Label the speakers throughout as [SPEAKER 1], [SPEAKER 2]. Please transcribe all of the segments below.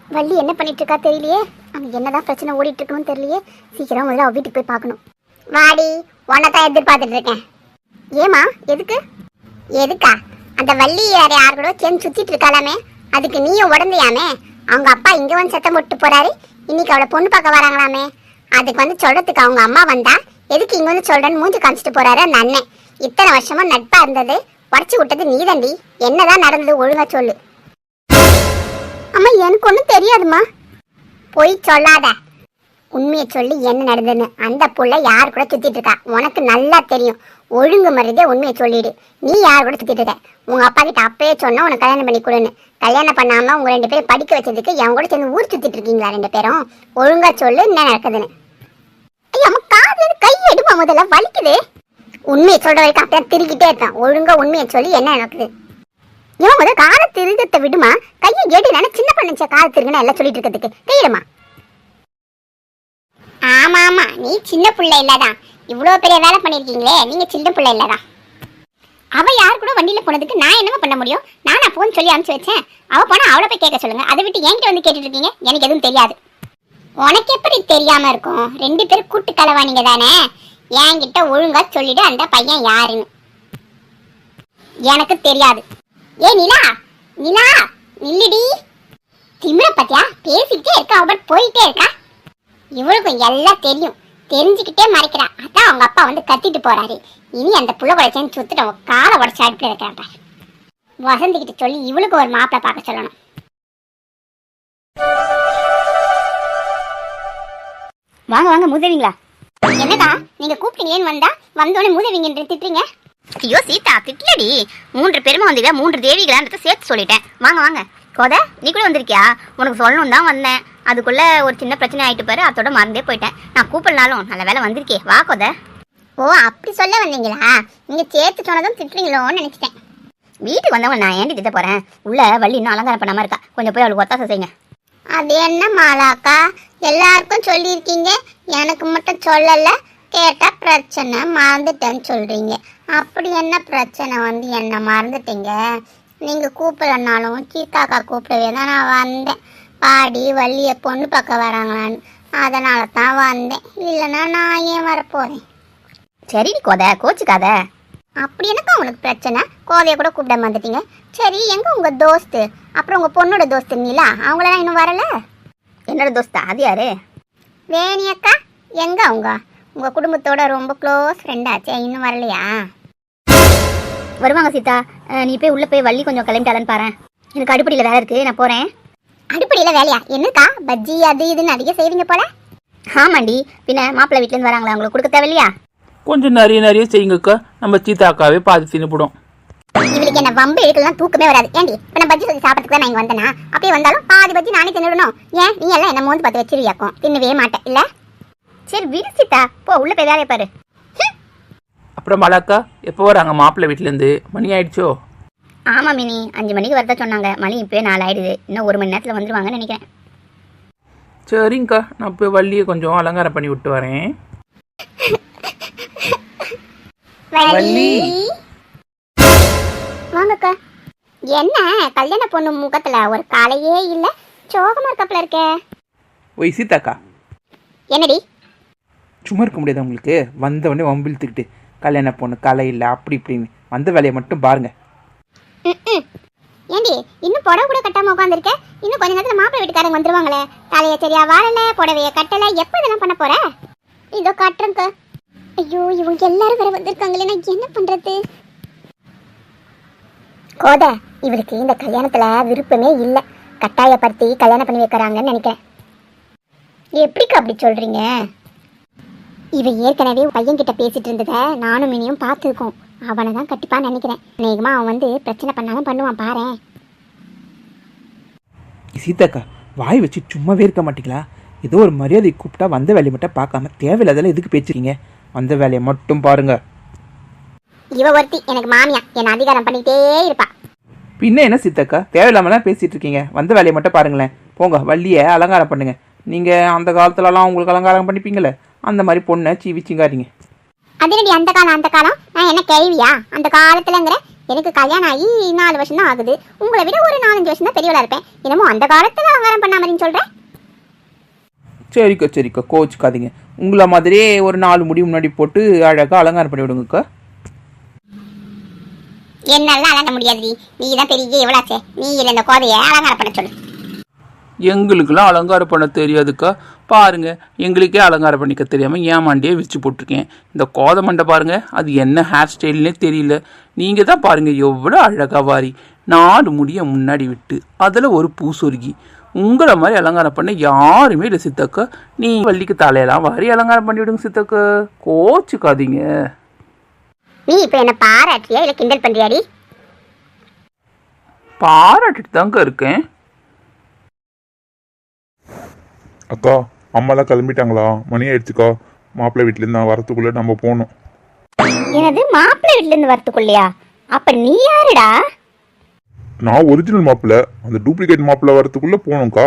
[SPEAKER 1] வள்ளி என்ன பண்ணிட்டு இருக்கா தெரியலையே. அங்க என்னதான் பிரச்சனை ஓடிட்டு இருக்கணும்னு தெரியலையே. சீக்கிரம் முதல்ல அவ வீட்டுக்கு போய் பார்க்கணும். வாடி, உன்னதான் எதிர்பார்த்துட்டு இருக்கேன். ஏமா, எதுக்கு? எதுக்கா? அந்த வள்ளி வேற யார் கூட சேர்ந்து சுத்திட்டு இருக்காளாமே, அதுக்கு நீயும் உடந்தையாமே. அவங்க அப்பா இங்க வந்து சத்தம் போட்டு போறாரு, இன்னைக்கு அவளை பொண்ணு பார்க்க வராங்களாமே. அதுக்கு வந்து சொல்றதுக்கு அவங்க அம்மா வந்தா, எதுக்கு இங்க வந்து சொல்றேன்னு மூஞ்சி காமிச்சிட்டு போறாரு அந்த அண்ணன். இத்தனை வருஷமா நட்பா இருந்தது உடச்சு விட்டது நீதண்டி. என்னதான் நடந்தது ஒழுங்கா சொல்லு. அம்மா, எனக்கு ஒன்றும் தெரியாதுமா. போய் சொல்லாத, உண்மையை சொல்லி என்ன நடந்ததுன்னு. அந்த புள்ள யார் கூட சுத்திட்டு இருக்கா உனக்கு நல்லா தெரியும். ஒழுங்கு மரியாதை உண்மையை சொல்லிடு. நீ யார் கூட சுத்திட்டு இருக்க? உங்க அப்பா கிட்ட அப்பயே சொன்னா உனக்கு கல்யாணம் பண்ணி கொடுன்னு. கல்யாணம் பண்ணாம உங்க 2 பேரும் படிக்க வச்சதுக்கு என் கூட சேர்ந்து ஊர் சுத்திட்டு இருக்கீங்களா 2 பேரும்? ஒழுங்கா சொல்லு என்ன நடக்குதுன்னு. ஐயா, அம்மா காதுல கை எடுமா, முதல்ல வலிக்குது. உண்மையை சொல்ற வரைக்கும் அப்படியே திருக்கிட்டே இருக்கான். ஒழுங்கா உண்மையை சொல்லி என்ன நடக்குது? இவன் முதல்ல காலை திருகத்தை விடுமா. கையை எடுனா சின்ன பண்ணுச்ச காலை திருகுன்னு எல்லாம் சொல்லிட்டு இருக்கிறதுக்கு கையிடுமா. ஆமா ஆமா, நீ சின்ன பிள்ளை இல்லதான். இவ்வளவு பெரிய வேலை பண்ணிருக்கீங்களே, நீங்க சின்ன பிள்ளை இல்லதான். அவ யார் கூட வண்டியில போனதுக்கு நான் என்னமா பண்ண முடியும்? நானா போன் சொல்லி அனுப்பிச்சு வச்சேன். அவ போனா அவளை போய் கேட்க சொல்லுங்க. அதை விட்டு என்கிட்ட வந்து கேட்டுட்டு இருக்கீங்க. எனக்கு எதுவும் தெரியாது. உனக்கு எப்படி தெரியாம இருக்கும்? 2 பேரும் கூட்டு கலவானீங்க தானே. என்கிட்ட ஒழுங்கா சொல்லிடு அந்த பையன் யாருன்னு. எனக்கு தெரியாது. ஏ நிலா, நிலா நில்லுடி. திமிர பத்தியா பேசிக்கிட்டே இருக்கா, அவ போயிட்டே இருக்கா. இவளுக்கும் எல்லாம் தெரியும், தெரிஞ்சுக்கிட்டே மறைக்கிறா. அதான் அவங்க அப்பா வந்து கத்திட்டு போறாரு. இனி அந்த புள்ள கூட சேர்ந்து சுத்துட்டு காலை உடச்சு அடுப்புல வைக்கிறாப்பா. வசந்திக்கிட்ட சொல்லி இவளுக்கு ஒரு மாப்பிள்ளை பார்க்க சொல்லணும்.
[SPEAKER 2] வாங்க வாங்க, மூதவிங்களா.
[SPEAKER 1] என்னடா நீங்க கூப்பிட்டீங்களேன்னு வந்தா வந்தோடனே மூதவிங்க திட்டுறீங்க?
[SPEAKER 2] ஐயோ சீதா, திட்டலடி. 3 பேருமா வந்தீங்க, 3 தேவிகளான்றத சேர்த்து சொல்லிட்டேன். வாங்க வாங்க. கோத, நீ கூட வந்திருக்கியா? உனக்கு சொல்லணும் தான் வந்தேன். அதுக்குள்ள ஒரு சின்ன பிரச்சனை ஆயிட்டு பாரு, அதோட மறந்தே போயிட்டேன். நான் கூப்பிடனாலும் நல்ல வேலை வந்திருக்கே. வா கோத.
[SPEAKER 1] ஓ, அப்படி சொல்ல வந்தீங்களா? நீங்க சேர்த்து சொன்னதும் திட்டுறீங்களோன்னு நினைச்சிட்டேன்.
[SPEAKER 2] வீட்டுக்கு வந்தவங்க நான் ஏன்டி திட்ட போறேன்? உள்ள வள்ளி இன்னும் அலங்காரம் பண்ணாம இருக்கா, கொஞ்சம் போய் அவளுக்கு ஒத்தாசை செய்யுங்க.
[SPEAKER 1] அது என்ன மாலாக்கா, எல்லாருக்கும் சொல்லியிருக்கீங்க, எனக்கு மட்டும் சொல்லல. கேட்டா பிரச்சனை மறந்துட்டேன்னு சொல்றீங்க. அப்படி என்ன பிரச்சனை வந்து என்ன மறந்துட்டீங்க? நீங்க கூப்பிடலனாலும் சீதாக்கா கூப்பிடவே தான் நான் வந்தேன். பாடி வள்ளிய பொண்ணு பார்க்க வராங்களான்னு, அதனால தான் வந்தேன். இல்லைன்னா நான் ஏன் வரப்போறேன்?
[SPEAKER 2] சரி கோத, கோச்சுக்காத.
[SPEAKER 1] அப்படி எனக்கு உங்களுக்கு பிரச்சனை? கோதைய கூட கூப்பிட வந்துட்டீங்க. சரி, எங்க உங்க தோஸ்து, அப்புறம் உங்க பொண்ணோட தோஸ்து நீலா, அவங்களெல்லாம் இன்னும் வரல?
[SPEAKER 2] என்னோட தோஸ்தா? அது யாரு?
[SPEAKER 1] வேணி அக்கா. எங்க உங்க குடும்பத்தோட ரொம்ப க்ளோஸ் ஃப்ரெண்டாச்சே, இன்னும் வரலையா?
[SPEAKER 2] வருவாங்க சீதா. நீ போய் உள்ள போய் வள்ளி கொஞ்சம் கிளம்பிட்டாலன்னு பாரு. எனக்கு அடுப்படியில் வேலை இருக்கு, நான் போறேன்.
[SPEAKER 1] அடுப்படியில் வேலையா? என்னக்கா பஜ்ஜி அது இதுன்னு அதிக செய்வீங்க போல?
[SPEAKER 2] ஆமாண்டி, பின்ன மாப்பிள்ளை வீட்டிலேருந்து வராங்களா, அவங்களுக்கு கொடுக்க தேவையில்லையா?
[SPEAKER 3] கொஞ்சம் நிறைய செய்யுங்கக்கா. நம்ம சீதாக்காவே பாதி தின்னுப்படும்.
[SPEAKER 1] இவளுக்கு என்ன வம்பு எடுக்கலாம் தூக்கமே வராது. ஏண்டி இப்போ நான் பஜ்ஜி சொல்லி சாப்பிட்றதுக்கு தான் நான் இங்கே வந்தேனா? அப்படியே வந்தாலும் பாதி பஜ்ஜி நானே தின்னுடணும். ஏன் நீ எல்லாம் என்ன மோந்து பார்த்து வச்சிருவியாக்கும்? தின்னவே மாட்டேன் இல்லை?
[SPEAKER 2] சரி விடு சீதா, போ உள்ள போய் வேலையை பாரு.
[SPEAKER 3] அப்புறம் மலாக்கா எப்போ வராங்க மாப்பிள்ளை வீட்டிலேருந்து? மணி ஆயிடுச்சோ?
[SPEAKER 2] ஆமாம் மினி, 5 மணிக்கு வரதா சொன்னாங்க. மணி இப்போயே 4 ஆயிடுது. இன்னும் 1 மணி நேரத்தில் வந்துடுவாங்கன்னு நினைக்கிறேன்.
[SPEAKER 3] சரிங்கக்கா, நான் போய் வள்ளியை கொஞ்சம் அலங்காரம் பண்ணி விட்டு வரேன். வள்ளி,
[SPEAKER 1] வாங்கக்கா. என்ன கல்யாண பொண்ணு முகத்துல ஒரு காலையே இல்ல, சோகமா இருக்கப்பல இருக்க.
[SPEAKER 3] ஒய் சீதாக்கா,
[SPEAKER 1] என்னடி
[SPEAKER 3] சும்மா இருக்க முடியாது உங்களுக்கு? வந்தவொடனே வம்பிழுத்துக்கிட்டு கல்யாண பொண்ணு கலை இல்லை அப்படி இப்படின்னு வந்த வேலையை மட்டும் பாருங்க.
[SPEAKER 1] ஏண்டி இன்னும் புடவை கூட கட்டாம உட்காந்துருக்க? இன்னும் கொஞ்ச நேரத்துல மாப்பிள்ளை வீட்டுக்காரங்க வந்துருவாங்களே. தலைய சரியா வாழல, புடவைய கட்டல, எப்ப இதெல்லாம் பண்ண போற? இதோ கட்டுறங்க. ஐயோ, இவங்க எல்லாரும் வேற வந்திருக்காங்களே, நான் என்ன பண்றது? கோத, இவளுக்கு இந்த கல்யாணத்துல விருப்பமே இல்லை. கட்டாயப்படுத்தி கல்யாணம் பண்ணி வைக்கிறாங்கன்னு நினைக்கிறேன். எப்படிக்கா அப்படி சொல்றீங்க? இவ ஏற்கனவே பையன்கிட்ட பேசிட்டு இருந்தத நானும் மினியும் பார்த்துருக்கோம். அவனை தான் கட்டிப்பான்னு நினைக்கிறேன். அநேகமா அவன் வந்து பிரச்சனை பண்ணாலும் பண்ணுவான் பாரு.
[SPEAKER 3] சீதாக்கா, வாய் வச்சு சும்மாவே இருக்க மாட்டீங்களா? ஏதோ ஒரு மரியாதை கூப்பிட்டா வந்த வேலையை மட்டும் பார்க்காம தேவையில்லாதெல்லாம் எதுக்கு பேசுறீங்க? வந்த வேலையை மட்டும் பாருங்க.
[SPEAKER 1] இவ ஒருத்தி எனக்கு மாமியா, என்ன அதிகாரம் பண்ணிட்டே இருப்பா.
[SPEAKER 3] பின்ன என்ன சீதாக்கா, தேவையில்லாமலாம் பேசிட்டு இருக்கீங்க? வந்த வேலையை மட்டும் பாருங்களேன். போங்க, வள்ளியை அலங்காரம் பண்ணுங்க. நீங்க அந்த காலத்துலலாம் உங்களுக்கு அலங்காரம் பண்ணிப்பீங்களே, அந்த மாதிரி பொண்ணை சீவி சிங்காரிங்க.
[SPEAKER 1] அதனடி அந்த காலம்? நான் என்ன கேள்வியா? அந்த காலத்துலங்கிற எனக்கு கல்யாணம் ஆகி 4 வருஷம் தான் ஆகுது. உங்களை விட ஒரு 4-5 வருஷம் தான் பெரியவளா இருப்பேன். என்னமோ அந்த காலத்துல அலங்காரம் பண்ணாமன்னு சொல்றேன்.
[SPEAKER 3] சரிக்கா கோச்சுக்காதீங்க. உங்களை மாதிரியே ஒரு 4 முடி முன்னாடி போட்டு அழகாக அலங்காரம் பண்ணி விடுங்கக்கா.
[SPEAKER 1] என்னால அலங்க முடியாது. நீ தான் பெரிய எவ்வளாச்சே. நீ இல்லை இந்த கோதையை அலங்காரம் பண்ண சொல்லு.
[SPEAKER 3] எங்களுக்கெல்லாம் அலங்காரம் பண்ண தெரியாதுக்கா. பாருங்க, எங்களுக்கே அலங்காரம் பண்ணிக்க தெரியாமல் ஏமாண்டியே விரிச்சு போட்டிருக்கேன். இந்த கோதை மண்டை பாருங்க, அது என்ன ஹேர் ஸ்டைல்னே தெரியல. நீங்கள் தான் பாருங்க எவ்வளோ அழகா வாரி 4 முடியை முன்னாடி விட்டு அதில் ஒரு பூ சொருகி உங்களை மாதிரி அலங்காரம் பண்ண யாருமே இல்லை சித்தக்கா. நீ வள்ளிக்கு தலையெல்லாம் வாரி அலங்காரம் பண்ணி விடுங்க சித்தக்கா, கோச்சுக்காதீங்க.
[SPEAKER 1] நீ இப்போ என்ன பாராட்டியா இல்லை கிண்டல் பண்றியாடி?
[SPEAKER 3] பாராட்டிட்டு தாங்க இருக்கேன்.
[SPEAKER 4] அக்கா, அம்மாலாம் கிளம்பிட்டாங்களா? மணி ஆயிடுச்சுக்கா. மாப்பிள்ளை வீட்டிலேருந்து நான் வரத்துக்குள்ளே நம்ம போகணும்.
[SPEAKER 2] எனது மாப்பிள்ளை வீட்டுல இருந்து வரத்துக்குள்ளையா? அப்ப நீ யாருடா?
[SPEAKER 4] நான் ஒரிஜினல் மாப்பிள்ளை, அந்த டூப்ளிகேட் மாப்பிள்ளை வரத்துக்குள்ளே போகணும்க்கா.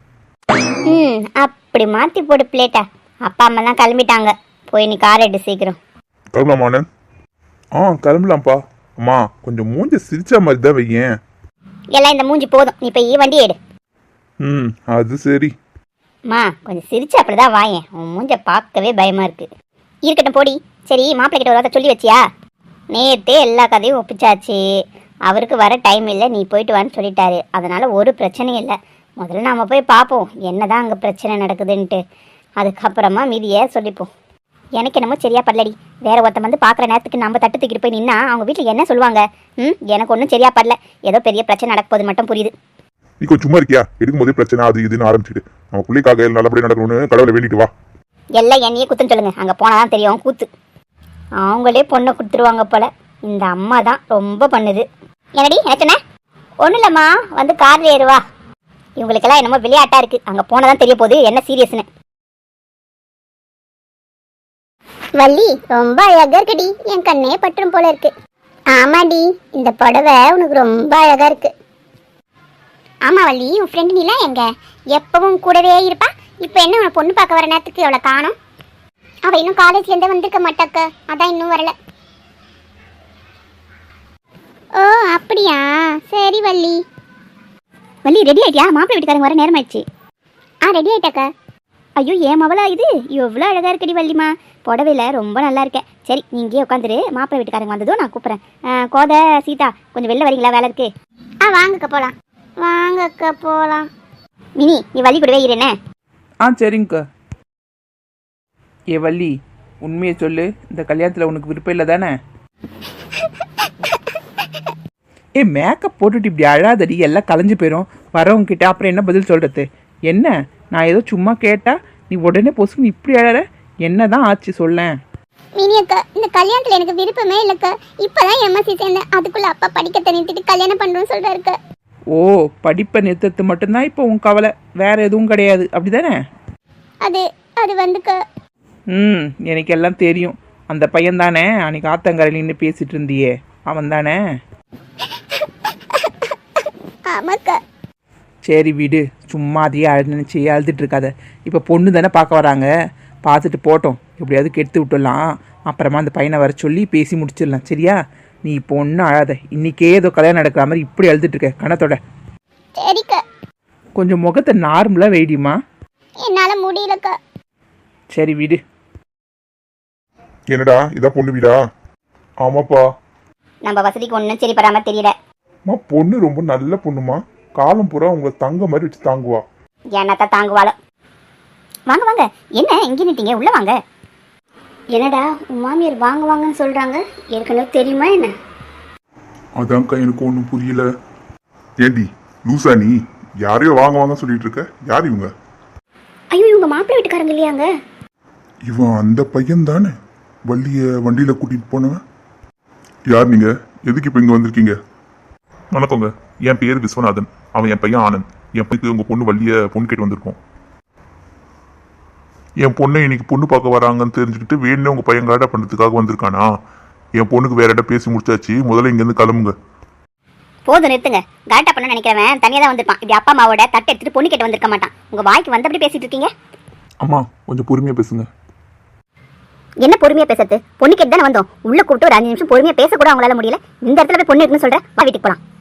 [SPEAKER 2] அப்படி மாத்தி போடு பிளேட்டா. அப்பா அம்மாலாம் கிளம்பிட்டாங்க. போய் நீ கார் எடு சீக்கிரம்.
[SPEAKER 4] கிளம்பலாமாண்ணே? கிளம்பலாம்ப்பா. அம்மா கொஞ்சம் மூஞ்ச சிரிச்சா மாதிரி தான் வையேன்.
[SPEAKER 2] எல்லாம் இந்த மூஞ்சி போதும், நீ போய் வண்டி எடு.
[SPEAKER 4] அது சரி.
[SPEAKER 2] அம்மா கொஞ்சம் சிரிச்சு அப்படிதான் வாயேன். உன் மூஞ்ச பார்க்கவே பயமா இருக்கு. இருக்கட்டும் போடி. சரி, மாப்பிள்ளை கிட்ட ஒரு வார்த்தை சொல்லி வச்சியா? நேத்தே எல்லா கதையும் ஒப்பிச்சாச்சு. அவருக்கு வர டைம் இல்லை, நீ போயிட்டு வான்னு சொல்லிட்டாரு. அதனால ஒரு பிரச்சனையும் இல்லை. முதல்ல நாம போய் பார்ப்போம் என்னதான் அங்கே பிரச்சனை நடக்குதுன்ட்டு. அதுக்கப்புறமா மீதியை சொல்லிப்போம். எனக்கு என்னமோ சரியா படலடி. வேற ஒருத்தன் வந்து பார்க்குற நேரத்துக்கு நம்ம தட்டு தூக்கிட்டு போய் நின்னா அவங்க வீட்டில் என்ன சொல்லுவாங்க? எனக்கு ஒன்றும் சரியா படல. ஏதோ பெரிய பிரச்சனை நடக்க போது மட்டும் புரியுது.
[SPEAKER 4] நீ கொஞ்சம் சும்மா இருக்கியா? எடுக்கும் போதே பிரச்சனை அது இதுன்னு ஆரம்பிச்சுட்டு நம்ம பிள்ளைக்காக நல்லபடியாக நடக்கணும்னு கடவுளை வேண்டிட்டு வா.
[SPEAKER 2] எல்லாம் என்னையே குத்துன்னு சொல்லுங்க. அங்கே போனாதான் தெரியும் கூத்து. அவங்களே பொண்ணை கொடுத்துருவாங்க போல. இந்த அம்மா தான் ரொம்ப பண்ணுது. என்னடி என்ன சொன்ன? ஒன்றும் இல்லைம்மா, வந்து கார்ல ஏறுவா. இவங்களுக்கெல்லாம் என்னமோ விளையாட்டா இருக்கு. அங்கே போனதான் தெரிய போகுது என்ன சீரியஸ்னு.
[SPEAKER 1] வள்ளி ரொம்ப அழகா இருக்குடி. என் கண்ணே பற்றும் போல இருக்கு. ஆமாடி, இந்த புடவை உனக்கு ரொம்ப அழகா இருக்கு. ஆமா வள்ளி, உன் ஃப்ரெண்டு நீலாம் எங்க? எப்பவும் கூடவே இருப்பா. இப்போ என்ன உன பொண்ணு பார்க்க வர நேரத்துக்கு அவளை காணோம்? அவள் இன்னும் காலேஜ்லேருந்து வந்திருக்க மாட்டாக்க, அதான் இன்னும் வரல. ஓ அப்படியா, சரி வள்ளி.
[SPEAKER 2] வள்ளி ரெடி ஆயிட்டியா? மாப்பிள்ளை வீட்டுக்காரங்க வர நேரம் ஆயிடுச்சு.
[SPEAKER 1] ரெடி ஆயிட்டாக்கா.
[SPEAKER 2] ஐயோ ஏன் மவளா இது எவ்வளோ அழகா இருக்கடி வள்ளிமா. புடவையில ரொம்ப நல்லா இருக்கேன். சரி, நீ இங்கேயே உட்காந்துரு. மாப்பிள்ளை வீட்டுக்காரங்க வந்ததும் நான் கூப்பிட்றேன். கோதை, சீதா கொஞ்சம் வெளில வரீங்களா? வேலை இருக்கு.
[SPEAKER 1] வாங்கக்கா போகலாம். வாங்கக்கா போகலாம்.
[SPEAKER 2] மினி நீ வள்ளி கூடவே இருனே.
[SPEAKER 3] சரிங்கக்கா. ஏ வள்ளி, உண்மையை சொல்லு, இந்த கல்யாணத்தில் உனக்கு விருப்பம் இல்லை தானே? மேக்கப் போட்டுட்டு இப்படி அழாதடி, எல்லாம் கலைஞ்சு போயிடும் வரவங்க கிட்ட. அப்புறம் என்ன பதில் சொல்கிறது? என்ன, நான் ஏதோ சும்மா கேட்டா நீ உடனே பொசுக்கு இப்படி அழற? என்னதான் ஆச்சு சொல்லேன்.
[SPEAKER 1] மினி அக்கா, இந்த கல்யாணத்தில் எனக்கு விருப்பமே இல்லைக்கா. இப்போதான் எம்எஸ்சி சேர்ந்தேன். அதுக்குள்ள அப்பா படிக்க நிறுத்திட்டு கல்யாணம் பண்ணுறோன்னு சொல்கிறாருக்கா.
[SPEAKER 3] ஓ, படிப்பை நிறுத்தது மட்டும்தான் இப்போ உன் கவலை, வேற எதுவும் கிடையாது அப்படிதானே?
[SPEAKER 1] அது வந்துக்கா.
[SPEAKER 3] எனக்கு எல்லாம் தெரியும். அந்த பையன் தானே அன்னைக்கு ஆத்தங்கரையின்னு பேசிட்டு இருந்தியே, அவன் தானே?
[SPEAKER 1] ஆமாக்கா.
[SPEAKER 3] சரி விடு, சும்மா அதையே நினச்சி அழுதுட்டு இருக்காத. இப்போ பொண்ணு தானே பார்க்க வராங்க, பார்த்துட்டு போட்டோம். எப்படியாவது கெடுத்து விட்டுடலாம். அப்புறமா அந்த பையனை வர சொல்லி பேசி முடிச்சிடலாம். சரியா? நீ இப்போ ஒன்றும் அழாத. இன்னைக்கே ஏதோ கல்யாணம் நடக்கிற மாதிரி இப்படி அழுதுட்டு இருக்க கணத்தோட.
[SPEAKER 1] சரிக்கா.
[SPEAKER 3] கொஞ்சம் முகத்தை நார்மலாக வெயிடிமா.
[SPEAKER 1] என்னால் முடியலக்கா.
[SPEAKER 3] சரி விடு.
[SPEAKER 4] என்னடா இதான் பொண்ணு வீடா? ஆமாப்பா.
[SPEAKER 2] நம்ம வசதிக்கு ஒன்றும் சரி படாம தெரியல.
[SPEAKER 4] பொண்ணு ரொம்ப நல்ல பொண்ணுமா. காலம் பூரா உங்களை தங்க மாதிரி வச்சு தாங்குவா.
[SPEAKER 2] என்னத்தான் தாங்குவாளோ. வாங்க வாங்க. என்ன இங்கே நிட்டீங்க? உள்ள வாங்க. என்னடா உன் மாமியார் வாங்க வாங்கன்னு சொல்றாங்க, ஏற்கனவே தெரியுமா என்ன?
[SPEAKER 4] அதான்க்கா எனக்கு ஒன்றும் புரியல. ஏண்டி லூசா நீ? யாரையோ வாங்க வாங்க சொல்லிட்டு இருக்க? யார் இவங்க?
[SPEAKER 2] ஐயோ, இவங்க மாப்பிள்ளை வீட்டுக்காரங்க இல்லையாங்க?
[SPEAKER 4] இவன் அந்த பையன் தானே வள்ளிய வண்டியில கூட்டிட்டு போனவன். யார் நீங்க? எதுக்கு இப்ப இங்க வந்திருக்கீங்க? வணக்கங்க, என் பேர் விஸ்வநாதன். அவன் என் பையன் ஆனந்த். என் பையனுக்கு உங்க பொண்ணு வள்ளிய பொண்ணு கேட்டு வந்திருக்கோம். என் பொண்ணை இன்னைக்கு பொண்ணு பார்க்க வராங்கன்னு தெரிஞ்சுக்கிட்டு வேணும்னே உங்க பையன் கலாட்டா பண்றதுக்காக வந்திருக்கானா? என் பொண்ணுக்கு வேற இடம் பேசி முடிச்சாச்சு. முதல்ல இங்க இருந்து கிளம்புங்க.
[SPEAKER 2] போதும் நிறுத்துங்க. கலாட்டா பண்ண நினைக்கிறவன் தனியா தான் வந்திருப்பான். இப்படி அப்பா அம்மாவோட தட்டை எடுத்துட்டு பொண்ணு கேட்டு வந்திருக்க மாட்டான். உங்க வாய்க்கு வந்தபடி பேசிட்டு இருக்கீங்க.
[SPEAKER 4] அம்மா கொஞ்சம் பொறுமையா பேசுங்க.
[SPEAKER 2] என்ன பொறுமையா பேசுறது? பொண்ணு கேட்டு தானே வந்தோம். உள்ள கூப்பிட்டு ஒரு 5 நிமிஷம் பொறுமையா பேச கூட அவங்களால முடியல. இந்த இடத்துல போய் பொண்ணு இருக்குன்னு சொல்ற, வா வீட்டுக்கு போலாம்.